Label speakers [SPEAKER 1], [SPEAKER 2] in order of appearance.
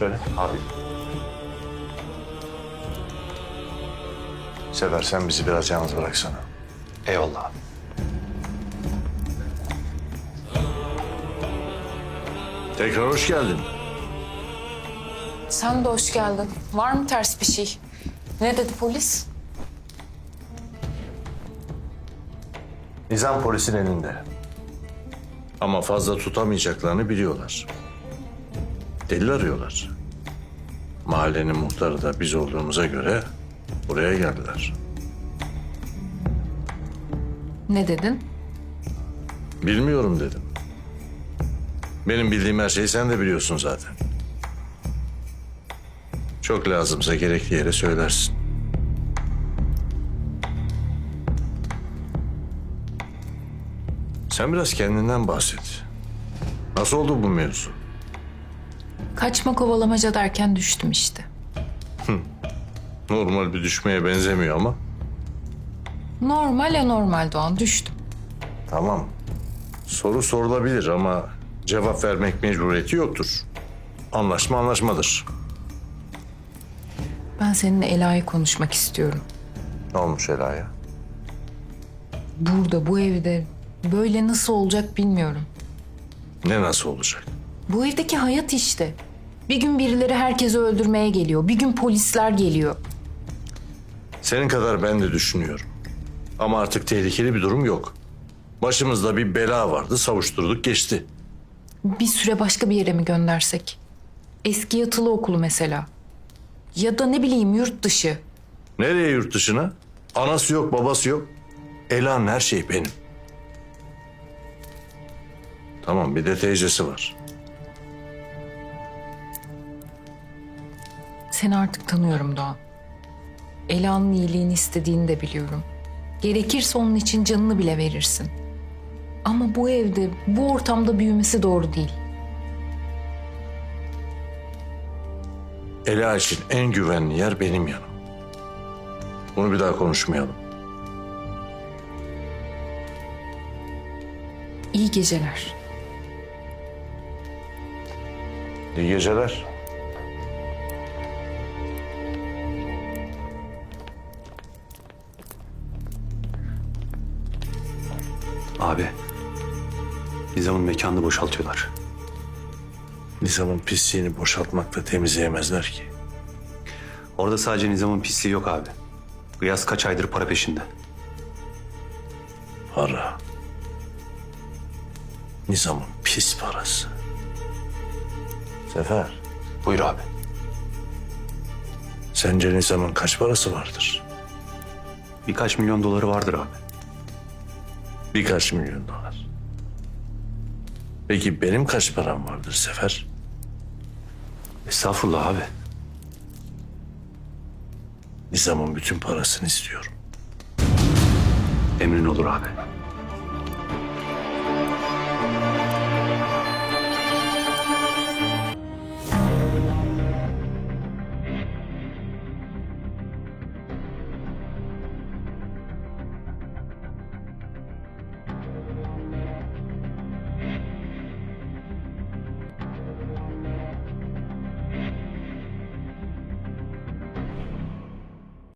[SPEAKER 1] Söyle.
[SPEAKER 2] Abi.
[SPEAKER 1] Sefer sen bizi biraz yalnız bıraksana.
[SPEAKER 2] Eyvallah abi.
[SPEAKER 1] Tekrar hoş geldin.
[SPEAKER 3] Sen de hoş geldin. Var mı ters bir şey? Ne dedi polis?
[SPEAKER 1] Nizam polisin elinde. Ama fazla tutamayacaklarını biliyorlar. Delil arıyorlar. Mahallenin muhtarı da biz olduğumuza göre buraya geldiler.
[SPEAKER 3] Ne dedin?
[SPEAKER 1] Bilmiyorum dedim. Benim bildiğim her şeyi sen de biliyorsun zaten. Çok lazımsa gerekli yere söylersin. Sen biraz kendinden bahset. Nasıl oldu bu mevzu?
[SPEAKER 3] Kaçma kovalamaca derken düştüm işte.
[SPEAKER 1] Normal bir düşmeye benzemiyor ama.
[SPEAKER 3] Normal ya normal Doğan, düştüm.
[SPEAKER 1] Tamam. Soru sorulabilir ama cevap vermek mecburiyeti yoktur. Anlaşma anlaşmadır.
[SPEAKER 3] Ben seninle Ela'yı konuşmak istiyorum.
[SPEAKER 1] Ne olmuş Ela'ya?
[SPEAKER 3] Burada, bu evde böyle nasıl olacak bilmiyorum.
[SPEAKER 1] Ne nasıl olacak?
[SPEAKER 3] Bu evdeki hayat işte. Bir gün birileri herkesi öldürmeye geliyor. Bir gün polisler geliyor.
[SPEAKER 1] Senin kadar ben de düşünüyorum. Ama artık tehlikeli bir durum yok. Başımızda bir bela vardı, savuşturduk geçti.
[SPEAKER 3] Bir süre başka bir yere mi göndersek? Eski yatılı okulu mesela. Ya da ne bileyim yurt dışı.
[SPEAKER 1] Nereye yurt dışına? Anası yok, babası yok. Ela'nın her şeyi benim. Tamam, bir de teyzesi var.
[SPEAKER 3] Seni artık tanıyorum Doğan. Ela'nın iyiliğini istediğini de biliyorum. Gerekirse onun için canını bile verirsin. Ama bu evde, bu ortamda büyümesi doğru değil.
[SPEAKER 1] Ela için en güvenli yer benim yanım. Bunu bir daha konuşmayalım.
[SPEAKER 3] İyi geceler.
[SPEAKER 1] İyi geceler.
[SPEAKER 2] Abi. Nizam'ın mekanını boşaltıyorlar.
[SPEAKER 1] Nizam'ın pisliğini boşaltmakla temizleyemezler ki.
[SPEAKER 2] Orada sadece Nizam'ın pisliği yok abi. Gıyas kaç aydır para peşinde.
[SPEAKER 1] Para. Nizam'ın pis parası. Sefer,
[SPEAKER 2] Buyur abi.
[SPEAKER 1] sence Nizam'ın kaç parası vardır?
[SPEAKER 2] Birkaç milyon doları vardır abi.
[SPEAKER 1] Birkaç milyon dolar. Peki benim kaç param vardır Sefer?
[SPEAKER 2] Estağfurullah abi.
[SPEAKER 1] Nizam'ın bütün parasını istiyorum.
[SPEAKER 2] Emrin olur abi.